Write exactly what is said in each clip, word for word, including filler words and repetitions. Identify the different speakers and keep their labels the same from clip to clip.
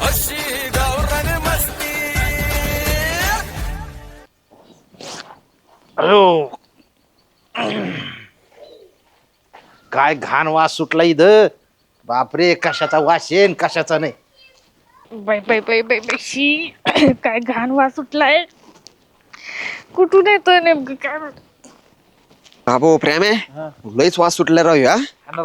Speaker 1: अशी गावरान मस्ती.
Speaker 2: अयो काय घाण वास सुटला इथं. बापरे, कशाचा वास येईन कशाचा नाही.
Speaker 3: Bye bye bye bye bye शी काय घाण वास सुटलाय. कुठून येतोय नेमकं काय माहित.
Speaker 4: बाबो प्रेम आहे लयच वास सुटला राव या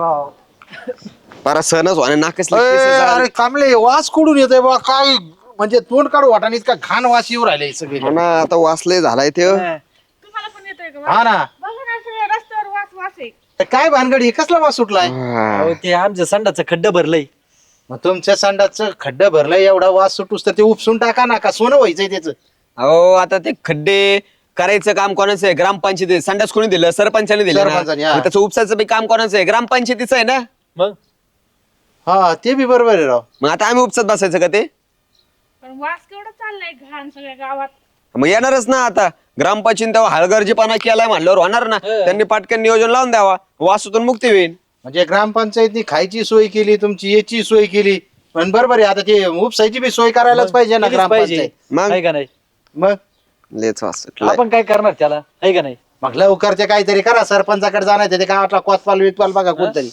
Speaker 4: पारा सहनच व्हाने नाकच
Speaker 2: अरे कामले वास कुठून येतोय बा. काय म्हणजे तोंड काढू वाटाने इतका घाण वास येऊ राहिले सगळे.
Speaker 4: हो ना आता वासलय झालाय ते
Speaker 3: तुम्हाला पण येतोय का
Speaker 2: हा ना.
Speaker 3: बघा ना सगळ्या रस्त्यावर वास वास आहे.
Speaker 2: तर काय भानगड हे कसला वास सुटलाय.
Speaker 5: अहो, ते आमचं संडाचं खड्डं भरलंय.
Speaker 2: मग तुमच्या संडाचं खड्डं भरलंय एवढा वास सुटूस तर ते उपसून टाका ना. का सोनं व्हायचंय त्याचं.
Speaker 4: अहो आता ते खड्डे करायचं काम कोणाचं आहे ग्रामपंचायती संडास कोणी दिलं सरपंचाने दिलं ना.
Speaker 2: सरपंचाने, हा.
Speaker 4: मग त्याचं उपसाचं बी काम कोणाचं आहे ग्रामपंचायतीचं आहे ना.
Speaker 5: मग
Speaker 2: हा ते बी बरोबर आहे राव.
Speaker 4: मग आता आम्ही उपसत बसायचं का ते.
Speaker 3: पण वास केवढा चाललाय घाण सगळ्या गावात.
Speaker 4: मग येणारच ना आता ग्रामपंचायत तेव्हा हलगर्जीपणा केलाय म्हणल्यावर होणार ना. त्यांनी पाटकन नियोजन लावून द्यावा वासूतून मुक्ती होईल.
Speaker 2: म्हणजे ग्रामपंचायतनी खायची सोय केली तुमची याची सोय केली. पण बरोबर आहे आता ते उपसायची बी सोय करायलाच पाहिजे ना
Speaker 5: केलीच पाहिजे.
Speaker 2: ग्रामपंचायत.
Speaker 4: मग
Speaker 5: आहे का नाही
Speaker 2: मग
Speaker 4: लेच वास सुटलाय.
Speaker 5: आपण काय करणार त्याला आहे का नाही.
Speaker 2: मग लवकरचे काहीतरी करा. सरपंचाकडे जाणार ते गावातला कोतपाल वितपाल बघा कोणतरी.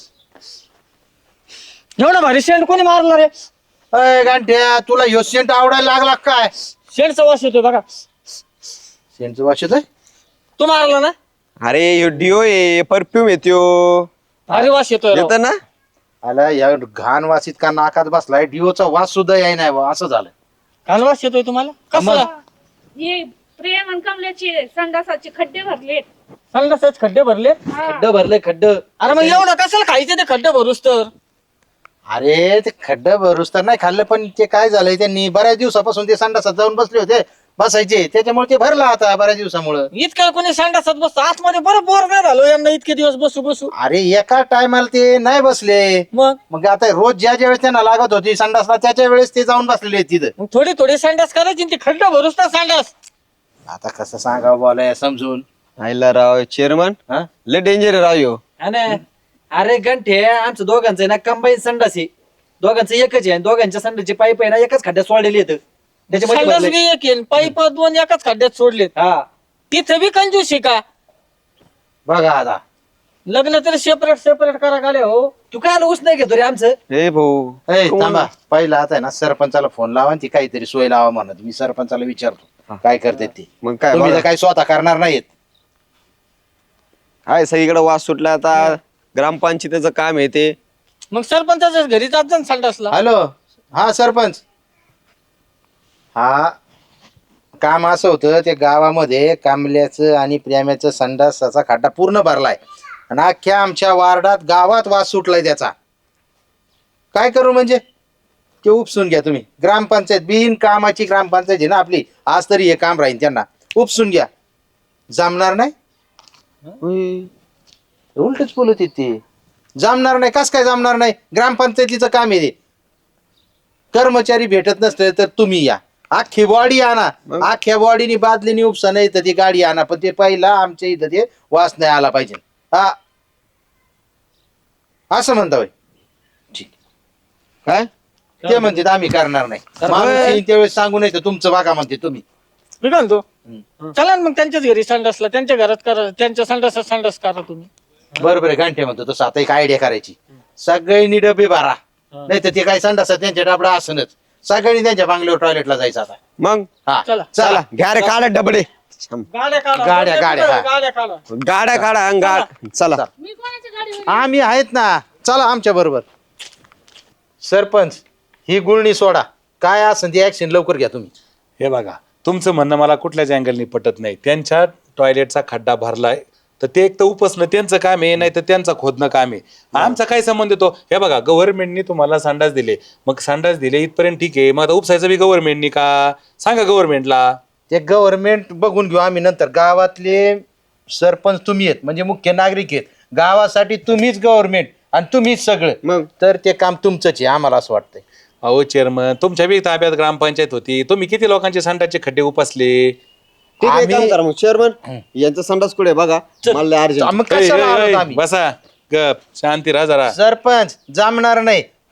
Speaker 5: एवढा भारी शेंड कोणी मारला रे.
Speaker 2: अय गांठ्या तुला ह्यो सेंट आवडायला लागला काय.
Speaker 5: शेंडचा वास येतोय बघा.
Speaker 2: सेंटचं वास येतोय.
Speaker 5: तू मारला ना.
Speaker 4: अरे ह्यो डिओ आहे परफ्यूम येतो
Speaker 5: भारी वास येतोय राव.
Speaker 4: येत ना.
Speaker 2: आला या घाण वास इतका नाकात बसलाय. डिओचा वास सुद्धा याय नाही बुवा, असं झालं.
Speaker 5: घाण वास येतोय तुम्हाला कसला.
Speaker 3: हे प्रेम आणि कमल्याचे संडासाचे खड्डे भरले.
Speaker 5: संडासाचे खड्डे भरले.
Speaker 2: खड्डं भरले खड्डं.
Speaker 5: अरे मग एवढं कशाला खायचं ते खड्डे भरूस तर.
Speaker 2: अरे ते खड्डं भरूस तर नाही खाल्लं पण ते काय झालंय त्यांनी बऱ्याच दिवसापासून ते संडासात जाऊन बसले होते बसायचे त्याच्यामुळे ते भरला आता बऱ्याच दिवसामुळं.
Speaker 5: इतकं कोणी संडासात बसतो आतमध्ये बरं बोर नाही झालो यांना इतके दिवस बसू बसू.
Speaker 2: अरे एका टायमाला ते नाही बसले.
Speaker 5: मग
Speaker 2: मग आता रोज ज्या ज्या वेळेस त्यांना लागत होती संडासला त्याच्या वेळेस ते जाऊन बसलेले आहेत तिथं.
Speaker 5: मग थोडी थोडी संडास करायची आणि ते खड्डे भरूस तर संडास.
Speaker 2: आता कसं सांगावं बोलाय समजून.
Speaker 4: आयला राव चेअरमन
Speaker 2: हा
Speaker 4: लय डेंजर राव ह्यो.
Speaker 5: अरे गंठे आमचं दोघांचं आहे ना कंबाईन संडास आहे. दोघांचं एकच आहे दोघांच्या संडासची पाईप आहे ना एकाच खड्ड्यात सोडलेली येतं त्याच्यामध्ये
Speaker 3: संडास
Speaker 5: भरलंय.
Speaker 3: बी एक आहे, पाईप दोन एकाच खड्ड्यात सोडलेत.
Speaker 5: हा
Speaker 3: तिथे बी कंजूस आहे का?
Speaker 2: बघा आता
Speaker 3: लग्न तरी सेपरेट सेपरेट करा गाड्या हो.
Speaker 5: तू काय ऊस नाही घेतो रे आमचं.
Speaker 4: हे भाऊ
Speaker 2: ए, थांबा पहिला आता आहे ना सरपंचाला फोन लावा आणि ती काहीतरी सोय लावा म्हणत मी सरपंचाला विचारतो काय करते ती.
Speaker 4: मग काय
Speaker 2: तुम्ही तर
Speaker 4: बघा.
Speaker 2: काही स्वतः करणार नाहीत.
Speaker 4: हाय सगळीकडे वास सुटला आता ग्रामपंचायतीचं काम आहे ते.
Speaker 3: मग सरपंचाच्या घरी जात जा ना संडासला.
Speaker 2: हॅलो हा सरपंच. हा काम असं होतं ते गावामध्ये कांबल्याचं आणि प्रेम्याचं संडासाचा खड्डा पूर्ण भरलाय आणि अख्ख्या आमच्या वार्डात गावात वास सुटलाय त्याचा. काय करू म्हणजे ते उपसून घ्या तुम्ही. ग्रामपंचायत बिन कामाची ग्रामपंचायत आहे ना आपली. आज तरी हे काम राहील त्यांना उपसून घ्या. जमणार नाही उलटच बोलत ते. जमणार नाही कस काय जमणार नाही. ग्रामपंचायतीचं काम आहे ते. कर्मचारी भेटत नसले तर तुम्ही या अख्खी बॉडी आणा. अख्ख्या बॉडीनी बादलीनी उपसा नाही तर ती गाडी आणा पण ते पहिला आमच्या इथं ते वास नाही आला पाहिजे. हा असं म्हणता होय ठीक
Speaker 4: काय
Speaker 2: ते म्हणते आम्ही करणार नाही. माणूस येईन त्यावेळेस सांगू नाही तर तुमचं बघा म्हणते तुम्ही.
Speaker 3: मी काय म्हणतो चला ना मग त्यांच्याच घरी संडासला त्यांच्या घरात करा त्यांच्या संडासात संडास करा तुम्ही.
Speaker 2: बरोबर आहे घंटे म्हणतो तसं आता एक आयडिया करायची. सगळ्यांनी डबे भरा नाही तर ते काय संडास त्यांच्या डबडा असनच. सगळ्यांनी त्यांच्या बांगल्यावर टॉयलेटला जायचं आता.
Speaker 4: मग
Speaker 2: हा
Speaker 3: चला.
Speaker 2: चला
Speaker 4: घ्या रे काढा डबडे
Speaker 3: गाड्या काढा
Speaker 2: गाड्या, गाड्या, हा.
Speaker 3: गाड्या काढा.
Speaker 4: गाड्या काढा अंग गाड चला.
Speaker 3: मी कोणाच्या गाडीवर
Speaker 2: आम्ही आहेत ना चला आमच्या बरोबर. सरपंच ही गुळणी सोडा काय असेल ती ऍक्शन लवकर घ्या तुम्ही.
Speaker 6: हे बघा तुमचं म्हणणं मला कुठल्याच अँगलनी पटत नाही. त्यांच्या टॉयलेटचा खड्डा भरलाय तर ते एक तर उपसणं त्यांचं काम आहे नाही तर त्यांचं खोदणं काम आहे. आमचा काय संबंध येतो. हे बघा गव्हर्नमेंटनी तुम्हाला संडास दिले मग संडास दिले इथपर्यंत ठीक आहे. मग आता उपसायचं बी गव्हर्नमेंटनी का सांगा गव्हर्नमेंटला.
Speaker 2: ते गव्हर्नमेंट बघून घेऊ आम्ही नंतर. गावातले सरपंच तुम्ही आहेत म्हणजे मुख्य नागरिक आहेत. गावासाठी तुम्हीच गव्हर्नमेंट आणि तुम्हीच सगळं
Speaker 4: मग
Speaker 2: तर ते काम तुमचंच आहे आम्हाला असं वाटतंय.
Speaker 6: अहो चेअरमन तुमच्या बी ताब्यात ग्रामपंचायत होती. तुम्ही किती लोकांचे संडासचे खड्डे उपसले.
Speaker 4: ठीक आहे काम
Speaker 2: आम्ही-
Speaker 4: करा मग चेअरमन यांचा संडास कुठे बघा मला
Speaker 2: मग
Speaker 4: अर्जंट.
Speaker 2: कशाला आलोत आम्ही?
Speaker 6: बसा गप शांती राहा जरा.
Speaker 2: सरपंच जमणार नाही.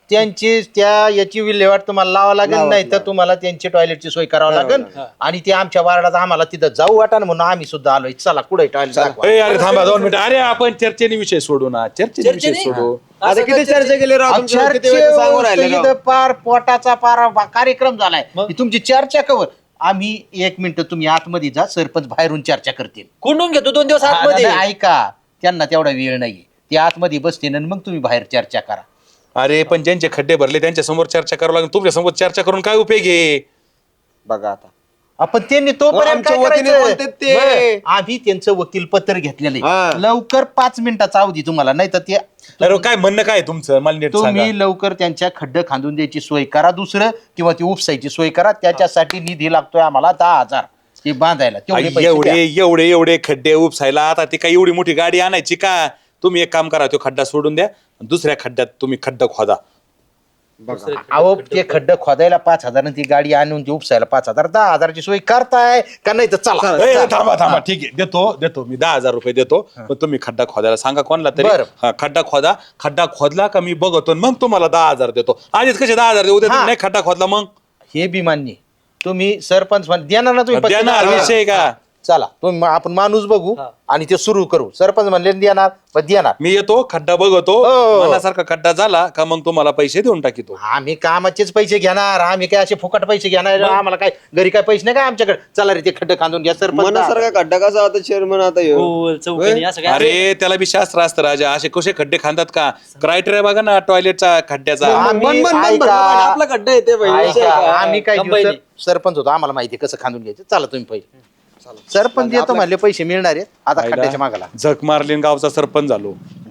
Speaker 2: त्यांची त्या याची विल्हेवाट तुम्हाला लावा लागेल, नाही तर तुम्हाला त्यांची टॉयलेटची सोय करावी लागेल. आणि ते आमच्या वार्डात आम्हाला तिथं जाऊ वाटा म्हणून आम्ही सुद्धा आलोय. चला कुठे टॉयलेट
Speaker 6: ए, अरे थांबा दोन मिनिटं. अरे आपण चर्चेने विषय सोडू ना, चर्चेने विषय सोडू.
Speaker 4: आता किती चर्चा केली राव तुमच्या किती वेळ सांगून राहिले राव.
Speaker 2: पार पोटाचा पार कार्यक्रम झालाय. ही तुमची चर्चा कवर. आम्ही एक मिनिट तुम्ही आतमध्ये जा, सरपंच बाहेरून चर्चा करतील.
Speaker 5: कोंडून घेतो दोन दिवस
Speaker 2: हा,
Speaker 5: आतमध्ये.
Speaker 2: नाही, ऐका, त्यांना तेवढा वेळ नाहीये. ते आतमध्ये बसतील आणि मग तुम्ही बाहेर चर्चा करा.
Speaker 6: अरे पण ज्यांचे खड्डे भरले त्यांच्या समोर चर्चा करावं लागेल. तुमच्या समोर चर्चा करून काय उपयोग आहे?
Speaker 4: बघा आता
Speaker 2: आपण त्यांनी तोपर्यंत
Speaker 4: आमच्या
Speaker 2: काय
Speaker 4: वतीने
Speaker 2: करायचं?
Speaker 4: बोलतात ते.
Speaker 2: बरं, आम्ही त्यांचं वकील पत्र घेतलेलं
Speaker 4: हा.
Speaker 2: आहे. लवकर पाच मिनिटाचा अवधी तुम्हाला, नाही तर ते
Speaker 6: अरे काय म्हणणं काय आहे तुमचं, मला नीट सांगा.
Speaker 2: तुम्ही लवकर त्यांच्या खड्डे खांदून द्यायची सोय करा. दुसरं किंवा ती उपसायची सोय करा. त्याच्यासाठी निधी लागतोय आम्हाला दहा हजार ते बांधायला. तेवढे पैसे
Speaker 6: एवढे
Speaker 2: द्या.
Speaker 6: एवढे एवढे खड्डे उपसायला आता ती काय एवढी मोठी गाडी आणायची का? तुम्ही एक काम करा, तो खड्डा सोडून द्या, दुसऱ्या खड्ड्यात तुम्ही खड्डा खोदा.
Speaker 2: अहो ते खड्ड खोदायला पाच हजार आणि ती गाडी आणून ती उपसायला पाच हजार. दहा हजाराची सोय करताय का नाही तर चला.
Speaker 6: ए, थांबा थांबा ठीक आहे, देतो देतो मी दहा हजार रुपये देतो. पण तुम्ही खड्डा खोदायला सांगा कोणाला तरी.
Speaker 2: बरं.
Speaker 6: हा, खड्डा खोदा. खड्डा खोदला का मी बघतो आणि मग तुम्हाला दहा हजार देतो. आधीच कसे दहा हजार देऊ देतो,
Speaker 2: हा.
Speaker 6: नाही खड्डा खोदला मग
Speaker 2: हे बी मान्य. तुम्ही सरपंच म्हण- देणार ना तुम्ही पैसे?
Speaker 6: देणार, विषय का?
Speaker 2: चला तुम्ही मग आपण माणूस बघू आणि ते सुरू करू. सरपंच म्हणले देणार पण देणार.
Speaker 6: मी येतो, खड्डा बघतो,
Speaker 2: हो.
Speaker 6: मनासारखा खड्डा झाला का मग तुम्हाला पैसे देऊन टाकीतो.
Speaker 2: आम्ही कामाचेच पैसे घेणार. आम्ही काय असे फुकट पैसे घेणार? आम्हाला काय घरी काय पैसे नाही का आमच्याकडे? चला रे ते खड्डे खांदून घ्या सरपंच.
Speaker 4: मनासारखा खड्डा कसा आता चेअरमन आता ह्यो?
Speaker 5: हो, चौकीने असं काय
Speaker 6: अरे त्याला बी शास्त्र असतं राजा. असे कसे खड्डे खांदात का? क्रायटेरिया बघा ना टॉयलेटचा खड्ड्याचा.
Speaker 2: आम्ही-
Speaker 4: मन- मन- मन-
Speaker 2: ऐका.
Speaker 4: मन- आपला खड्डा येते
Speaker 2: ऐका,
Speaker 4: पाहिजे.
Speaker 2: आम्ही काय
Speaker 5: कंबाईन
Speaker 2: घेऊ,
Speaker 5: आहे.
Speaker 2: सर- सरपंच होतो, आम्हाला माहिती आहे कसं खांदून घ्यायचं. चला तुम्ही पहिले. सरपंच देतो म्हणले पैसे मिळणार आहेत. आता खड्ड्याच्या मागाला
Speaker 6: झक मारली आणि गावचा सरपंच झालो.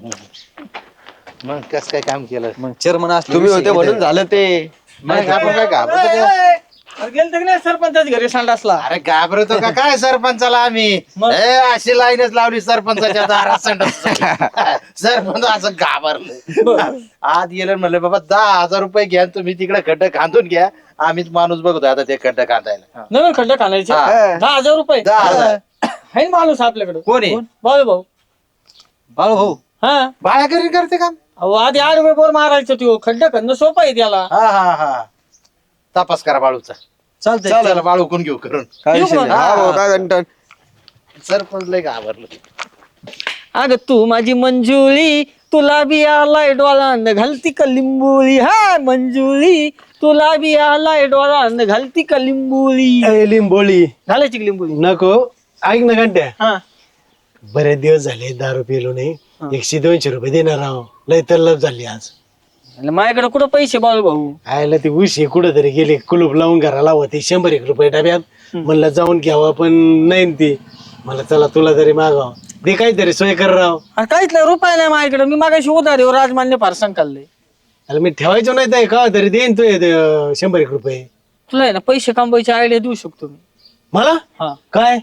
Speaker 2: मग कसं काय काम केलं?
Speaker 5: मग चेअरमन असले
Speaker 4: तुम्ही होते म्हणून झालं ते.
Speaker 2: मग आपण काय घाबरतो काय?
Speaker 7: गेलतो की नाही सरपंचाच घरी संडासला?
Speaker 2: अरे घाबरतो का काय सरपंचाला आम्ही? ए, अशी लाईनच लावली सरपंचाच्या दारात संडाससाठी. सरपंच असं घाबरलं. आत गेलं म्हणलं बाबा दहा हजार रुपये घ्या तुम्ही तिकडे खड्डे खांदून घ्या. आम्हीच माणूस बघतो आता ते खड्डे खांदायला.
Speaker 7: नवीन खड्ड खाण्याचे
Speaker 2: हा.
Speaker 7: दहा हजार रुपये
Speaker 2: दहा हजार.
Speaker 7: आहे ना माणूस आपल्याकडे?
Speaker 2: कोण आहे?
Speaker 7: बाळू भाऊ.
Speaker 5: बाळू भाऊ
Speaker 7: हा,
Speaker 2: बाळा घरी करते काम.
Speaker 7: अहो आधी आठ रुपये बोर मारायचं तो खड्ड खणणं सोपं आहे त्याला.
Speaker 2: हा हा हा तपास करा बाळूचा.
Speaker 5: चालतंय.
Speaker 2: चला बाळू कोण घेऊ करून.
Speaker 4: काय
Speaker 7: येऊ
Speaker 4: विषय नाही.
Speaker 7: का?
Speaker 4: हा भाऊ, काय घंटा.
Speaker 2: सरपंच लय घाबरलं.
Speaker 7: अग तू माझी मंजुळी, तुला बी आलाय डोळांद घालती का लिंबुळी. हा मंजुळी, तुला बी आलाय डोळांद घालती का लिंबुळी.
Speaker 8: लिंबोळी
Speaker 7: घालायची का लिंबुळी?
Speaker 8: नको. ऐक ना घंट्या,
Speaker 7: हा,
Speaker 8: बरेच दिवस झाले दारू पिलो नाही. एकशे दोनशे रुपये देणार आहो. लय तल्लफ झाली आज.
Speaker 7: आणि माझ्याकडे कुठं पैसे बाळू भाऊ?
Speaker 8: आयला ती उशी कुठं तरी गेली, कुलूप लावून घराला होती शंभर एक रुपये डब्यात. म्हणलं जाऊन घ्यावं पण नाही न ती. मला चला तुला तरी मागाव दे, काहीतरी सोय कर राव.
Speaker 7: अरे काहीच नाही, रुपये नाही माझ्याकडे. मी मागाशी उधारी राजमान्य फारसन काढलंय.
Speaker 8: अरे मी ठेवायचो नाही तर का तरी देईन तू हे शंभर एक रुपये.
Speaker 7: तुला आहे ना पैसे कमवायची आयडिया देऊ शकतो मी.
Speaker 8: मला
Speaker 7: हा,
Speaker 8: काय?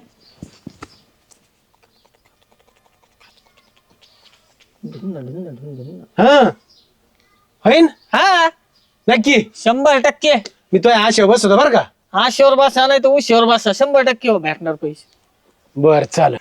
Speaker 8: हा होईन
Speaker 7: हा,
Speaker 8: नक्की.
Speaker 7: शंभर टक्के.
Speaker 8: मी तो आशा बस होता बरं का.
Speaker 7: आशेवर बसा नाही तर उशीवर बसा, शंभर टक्के हो भेटणार पैसे.
Speaker 8: बर चाल.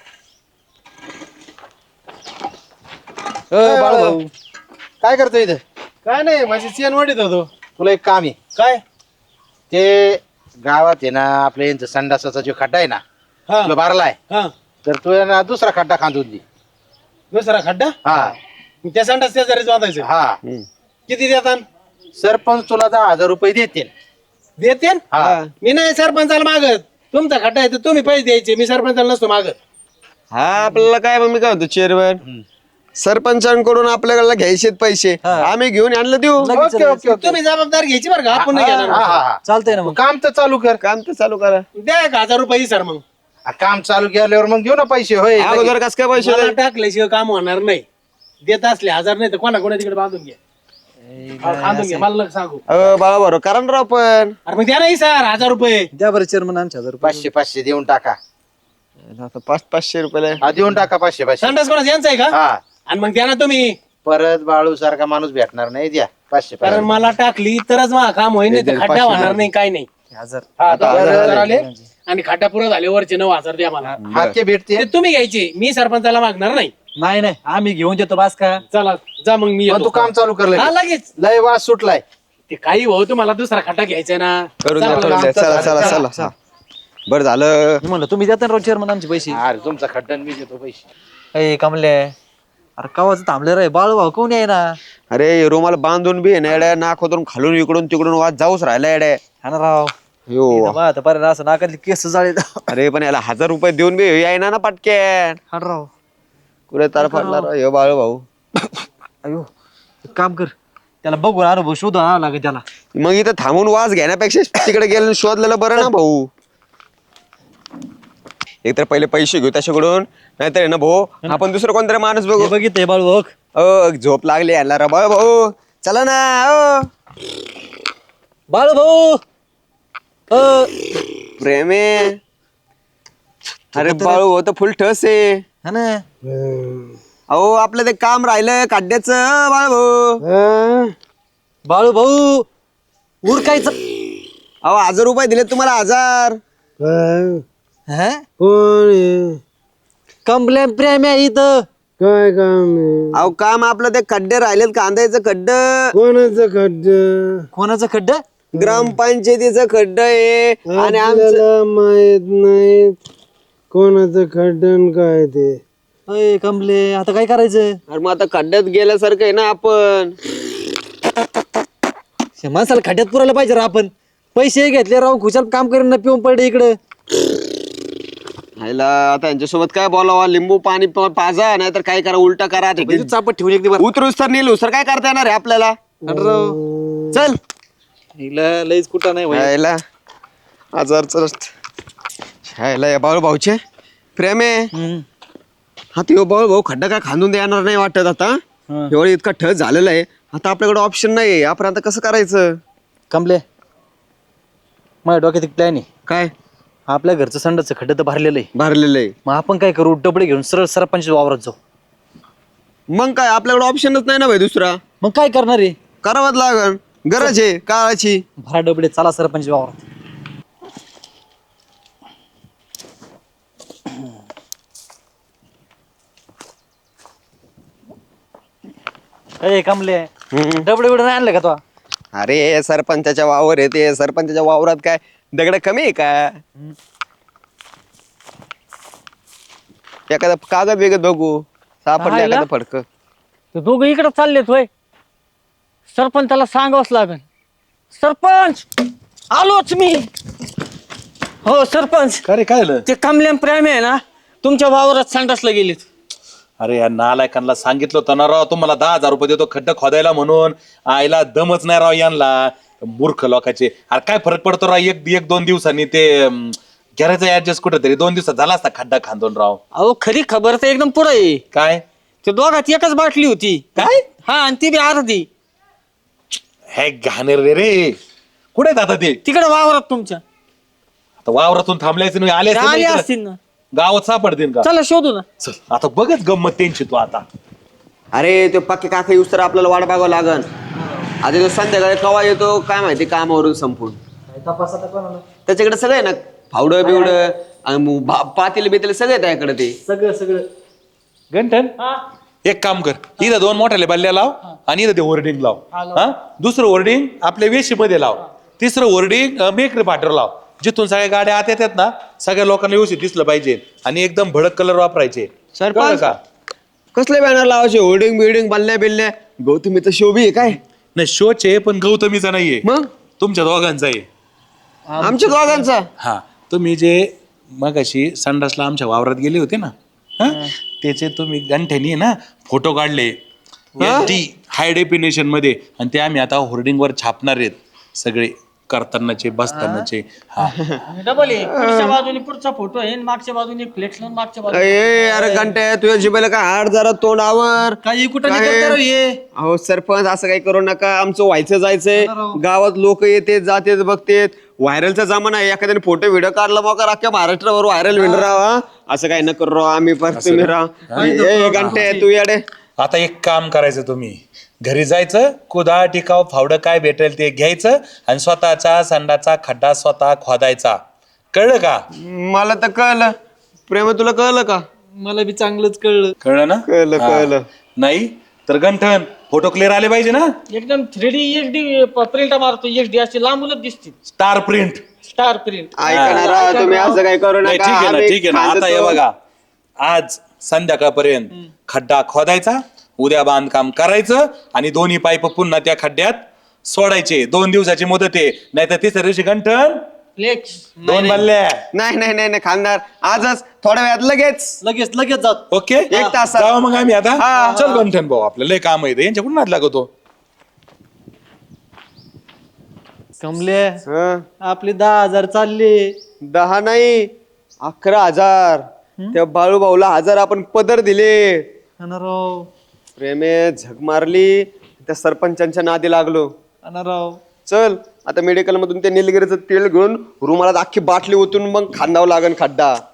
Speaker 2: बाळू भाऊ काय करतो इथं?
Speaker 8: काय नाही माझी चेन वाढीत होतो.
Speaker 2: तुला एक काम आहे.
Speaker 8: काय?
Speaker 2: ते गावात आहे ना आपल्या यांचं संडासाचा जो खड्डा आहे ना,
Speaker 8: हा
Speaker 2: तुला बारलाय,
Speaker 8: हा
Speaker 2: तर तू आहे ना दुसरा खड्डा खांदून दे.
Speaker 8: दुसरा खड्डा
Speaker 2: हा
Speaker 8: मी त्या संडास शेजारीच बांधायचं.
Speaker 2: हा.
Speaker 8: किती देतात?
Speaker 2: सरपंच तुला दहा हजार रुपये देतील.
Speaker 8: देते
Speaker 2: हा.
Speaker 8: मी नाही सरपंचाला मागत. तुमचा खड्डा आहे तर तुम्ही पैसे द्यायचे. मी सरपंचाला नसतो मागत.
Speaker 4: हा आपल्याला काय मग मी काय म्हणतो चेअरमन, सरपंचांकडून आपल्याला घ्यायचे पैसे, आम्ही घेऊन आणलं देऊ.
Speaker 2: Okay okay okay.
Speaker 8: तुम्ही जबाबदार घ्यायची बरं का, आपण नाही
Speaker 2: हा,
Speaker 8: घेणार.
Speaker 2: हा, हा.
Speaker 5: चालतंय ना
Speaker 2: तू
Speaker 5: मग.
Speaker 2: काम तर चालू कर.
Speaker 4: काम तर चालू करा.
Speaker 8: द्या एक हजार रुपये सर. मग
Speaker 2: आ, काम चालू केल्यावर मग घेऊ ना पैसे. होय
Speaker 4: अगोदर कस काय पैसे
Speaker 8: मला
Speaker 4: द्यायचे?
Speaker 8: टाकल्याशिवाय काम होणार नाही. देत असले हजार नाही तर कोणा कोणा तिकडे बांधून घ्या. हा, बांधून घ्या, मला नका सांगू.
Speaker 4: अहो बाबा बरोबर करा ना राव पण.
Speaker 8: अरे मग द्या नाही सर हजार रुपये.
Speaker 5: द्या बरं चेअरमन आमच्या हजार रुपये.
Speaker 2: पाचशे पाचशे देऊन टाका.
Speaker 4: आता पाच पाचशे रुपयाला
Speaker 2: हा देऊन टाका पाचशे पाचशे.
Speaker 8: संडास कोणाचा यांचा आहे का?
Speaker 2: हा.
Speaker 8: आणि मग द्या ना तुम्ही.
Speaker 2: परत बाळू सारखा माणूस भेटणार नाही. द्या पाचशे
Speaker 8: कारण
Speaker 2: पाचशे.
Speaker 8: मला टाकली तरच मला काम होईल, नाही तर खड्डा होणार नाही. काय नाही.
Speaker 5: हजार
Speaker 8: हा, दहा हजार आले आणि खड्डा पुरा झाले वरचे नऊ हजार द्या मला.
Speaker 2: हा ते भेटते.
Speaker 8: ते तुम्ही घ्यायचे. मी सरपंचाला मागणार नाही.
Speaker 5: नाही नाही आम्ही घेऊन देतो बास का.
Speaker 8: चला जा मग मी
Speaker 2: पण
Speaker 8: येतो.
Speaker 2: तू काम चालू कर
Speaker 8: हा,
Speaker 2: लगेच.
Speaker 8: लगेच
Speaker 2: लय वास सुटलाय.
Speaker 8: ते काही भाऊ तुम्हाला दुसरा खड्डा घ्यायचा ना.
Speaker 4: करून द्या
Speaker 8: चला,
Speaker 4: करून द्या चला चला चला हा. बरं झालं.
Speaker 5: मी म्हणलं तुम्ही देता ना रोज चेअरमन आमचे पैसे.
Speaker 2: अरे तुमचा खड्डा आणि मी देतो पैसे.
Speaker 5: ए कमले अरे कवाच थांबले रे बाळू भाऊ कोण आहे ना.
Speaker 4: अरे रुमाल बांधून बी आहे ना येड्या, नाक होतून खालून इकडून तिकडून वाद जाऊच राहिला येड्या.
Speaker 5: हा ना राव.
Speaker 4: यो
Speaker 5: आता पर्यंत असं नाकातली केस जाळे.
Speaker 4: अरे पण याला हजार रुपये देऊन बी यायना ना पटक्यान.
Speaker 5: हा ना राव.
Speaker 4: कुठे तार फाडला राव ह्यो बाळू भाऊ.
Speaker 5: अयो एक काम कर त्याला बघू अनुभव शोधून आणावं लागेल त्याला.
Speaker 4: मग इथं थांबून वास घेण्यापेक्षा तिकडे गेलं शोधलेलं बरं ना भाऊ. एक तर पहिले पैसे घेऊ त्याच्याकडून, नाहीतर ना भाऊ आपण दुसरं कोणतरी माणूस बघू.
Speaker 5: बघितलंय बाळू भाऊ.
Speaker 4: अ झोप लागली याला रा बाळू भाऊ. चला ना अ.
Speaker 5: बाळू भाऊ अ,
Speaker 4: प्रेमे. अरे बाळू भाऊ तर फुल ठस आहे.
Speaker 5: हा ना.
Speaker 4: अहो आपलं ते काम राहिलं काढण्याचं बाळू भाऊ.
Speaker 5: बाळू भाऊ उरकायचं.
Speaker 4: अहो हजार रुपये दिले तुम्हाला हजार.
Speaker 5: हा
Speaker 8: कोण आहे?
Speaker 5: कंप्लेंट प्रेम आहे इथं.
Speaker 8: काय काम आहे?
Speaker 4: अहो काम आपलं ते खड्डे राहिलेत कांद्याचं खड्ड.
Speaker 8: कोणाचं खड्ड?
Speaker 5: कोणाचं खड्ड.
Speaker 4: ग्रामपंचायतीचं खड्ड आहे आणि आमचं
Speaker 8: आपल्याला माहित नाही कोणाचं खड्डन काय ते.
Speaker 5: अय कमले आता काय करायचं.
Speaker 4: अरे मग आता खड्ड्यात गेल्यासारखं आहे ना आपण.
Speaker 5: शे, माणसाला खड्ड्यात पुरायला पाहिजे रा आपण. पैसे घेतले राव खुशाल काम करून ना पिऊन पडले इकडं.
Speaker 4: ह्याला आता यांच्यासोबत काय बोलावा, लिंबू पाणी प- पाजा नाही तर काय करा उलटा करा.
Speaker 5: म्हणजे चापट ठेवून एक दिवस.
Speaker 4: उतरूस तर नेलो सर काय करता येणार आहे आपल्याला. चल
Speaker 5: हिला लईच कुठं नाही भाई.
Speaker 4: ह्याला हजार चल ह्याला या बाळू भाऊचे प्रेम आहे.
Speaker 5: हम्म.
Speaker 4: हा ते बाळू भाऊ खड्डा काय खांदून देणार नाही वाटत आता. एवढं इतका ठस झालेला आहे आता आपल्याकडे ऑप्शन नाही. आपण आता कसं करायचं.
Speaker 5: कमले माझ्या डोक्यात एक प्लॅन आहे.
Speaker 4: काय
Speaker 5: आपल्या घरचं संडाचं खड्डं तर भरलेलं आहे.
Speaker 4: भरलेलं आहे.
Speaker 5: मग आपण काय करू डबडे घेऊन सरळ सरपंच वावरात जाऊ.
Speaker 4: मग काय आपल्याकडे ऑप्शनच नाही ना भाई दुसरा.
Speaker 5: मग काय करणार आहे.
Speaker 4: करावंच लागल गरज आहे काळाची.
Speaker 5: भरा डबडे चला सरपंच वावरात. अरे कमले डबडे बिडे नाही आणलं का तो.
Speaker 4: अरे सरपंचाच्या वावर आहे ते. सरपंचाच्या वावरात काय दगड कमी आहे का. एखादा कागद बिगद बघू सापडलं
Speaker 7: राहिला?
Speaker 4: एखादं फडक.
Speaker 7: ते दोघं इकडे चाललेत होय. सरपंचाला सांगावंच लागेल. सरपंच आलोच मी. हो सरपंच
Speaker 6: का रे काय झालं?
Speaker 7: ते कमल्यान प्रेम आहे ना तुमच्या वावरात संडासला गेलेत.
Speaker 6: अरे या नालायकांना सांगितलं होतं ना राव तुम्हाला दहा हजार रुपये देतो खड्डा खोदायला म्हणून. आईला दमच नाही राव यांना मूर्ख लोकांचे. अरे काय फरक पडतो राव एक एक दोन दिवसांनी ते घराचं ऍडजस्ट कुठं तरी दोन दिवसात झाला असता खड्डा खांदून राव.
Speaker 7: अहो खरी खबर तर एकदम पुढे आहे.
Speaker 6: काय
Speaker 7: ते दोघात एकच बाटली होती.
Speaker 6: काय
Speaker 7: हा आणि ती बी अर्धी
Speaker 6: हे घाणेर रे रे कुठे आहेत आता ते.
Speaker 7: तिकडे वावरात तुमच्या.
Speaker 6: आता वावरातून थांबल्याचे नाही आले
Speaker 7: ते
Speaker 6: असते ना
Speaker 7: आले
Speaker 6: इकडं.
Speaker 7: असतील ना.
Speaker 6: गावात सापडतील का.
Speaker 7: चला शोधू ना.
Speaker 6: चल आता बघच गंमत त्यांची तू आता.
Speaker 4: अरे तो पक्के काका येऊस तर आपल्याला वाट बघावं लागन. आता तो संध्याकाळी कवा येतो काय माहिती कामावरून संपून. त्याच्याकडे सगळं आहे ना फावडं बिवडं पातील बितील सगळं आहे त्याकडे ते.
Speaker 5: सगळं सगळं.
Speaker 6: गंठन एक काम कर इथं दोन मोठ्याले बल्ल्या लाव आणि इथं ते होर्डिंग लाव. हा दुसरं होर्डिंग आपल्या वेशीमध्ये लाव. तिसरं होर्डिंग मेकरी पाठर लाव. जिथून सगळ्या गाड्या आत येतात ना सगळ्या लोकांना व्यवस्थित दिसलं पाहिजे आणि एकदम भडक कलर वापरायचे. कळलं का.
Speaker 4: कसले बॅनर लावायचे होर्डिंग बिल्डिंग बल्ल्या बिल्ल्या. गौतमीचं शोभी आहे काय.
Speaker 6: नाही शोचे पण गौतमीचा नाहीये
Speaker 4: मग
Speaker 6: तुमच्या दोघांचा आहे.
Speaker 4: आमच्या दोघांचा.
Speaker 6: हा तुम्ही जे मगाशी संडासला आमच्या वावरात गेले होते ना हा त्याचे तुम्ही गंठ्यानी ना फोटो काढले हाय डेफिनेशन मध्ये आणि ते आम्ही आता होर्डिंग वर छापणार आहेत सगळे करतानाचे बसतानाचे. हा
Speaker 7: डबल आहे. पुढच्या बाजूने पुढचा फोटो आहे आणि मागच्या बाजूने फ्लेक्स लावून मागच्या बाजूने.
Speaker 4: ए अरे घंटे तुझ्या जिबेला काय हाड जरा तोंडावर.
Speaker 5: काही कुठं
Speaker 4: काय?
Speaker 5: नाही करता ये.
Speaker 4: अहो सरपंच असं काही करू नका. आमचं व्हायचं जायचंय. गावात लोक येते जाते बघतेत. व्हायरलचा जमाना आहे. एखाद्याने फोटो व्हिडिओ काढला मग अख्ख्या महाराष्ट्रावर व्हायरल होईल राहा. असं काही न करू राव आम्ही पण तुम्ही राहा घंटे तू याडे.
Speaker 6: आता एक काम करायचं तुम्ही घरी जायचं कुदाळ टिकाव फावडं काय भेटेल ते घ्यायचं आणि स्वतःचा संडाचा खड्डा स्वतः खोदायचा. कळलं का.
Speaker 4: मला तर कळलं. प्रेम तुला कळलं का.
Speaker 5: मला बी चांगलंच कळलं.
Speaker 6: कळलं ना
Speaker 4: कळलं
Speaker 6: हा.
Speaker 4: कळलं.
Speaker 6: नाही तर गंठन फोटो क्लिअर आले पाहिजे ना.
Speaker 7: एकदम three D H D print मारतो एच डी अशी लांबूनच दिसते
Speaker 6: स्टार प्रिंट.
Speaker 7: Star print.
Speaker 4: ऐका ना राव, तुम्ही असं काही करू
Speaker 6: नाही
Speaker 4: नका.
Speaker 6: ठीक आहे ना
Speaker 4: आम्ही
Speaker 6: ठीक आहे ना.
Speaker 4: खांदतो.
Speaker 6: आता हे बघा आज संध्याकाळपर्यंत खड्डा खोदायचा, उद्या बांधकाम करायचं आणि दोन्ही पाईप पुन्हा त्या खड्ड्यात सोडायचे. दोन दिवसाची मुदत आहे, नाही तर तिसऱ्या दिवशी गंठन
Speaker 7: फ्लेक्स.
Speaker 6: दोन बल्ल्या.
Speaker 4: नाही नाही नाही नाही, खानदार आजच थोड्या वेळात लगेच.
Speaker 5: लगेच लगेच जात.
Speaker 6: ओके
Speaker 4: एक तासात.
Speaker 6: जाऊ मग आम्ही आता.
Speaker 4: हा.
Speaker 6: चल गंठन भाऊ आपलं लय काम आहे यांच्याकडून नाद लागतो.
Speaker 5: कमले
Speaker 4: हं.
Speaker 5: आपले दहा हजार चालले.
Speaker 4: दहा नाही अकरा हजार. त्या बाळू भाऊला हजार आपण पदर दिले.
Speaker 5: अनाराव
Speaker 4: प्रेमे झक मारली, त्या सरपंचांच्या नादी लागलो.
Speaker 5: अनाराव
Speaker 4: चल आता मेडिकल मधून ते निलगिरीचं तेल घेऊन रुमालात अख्खी बाटली ओतून मग खांदावं लागन खड्डा.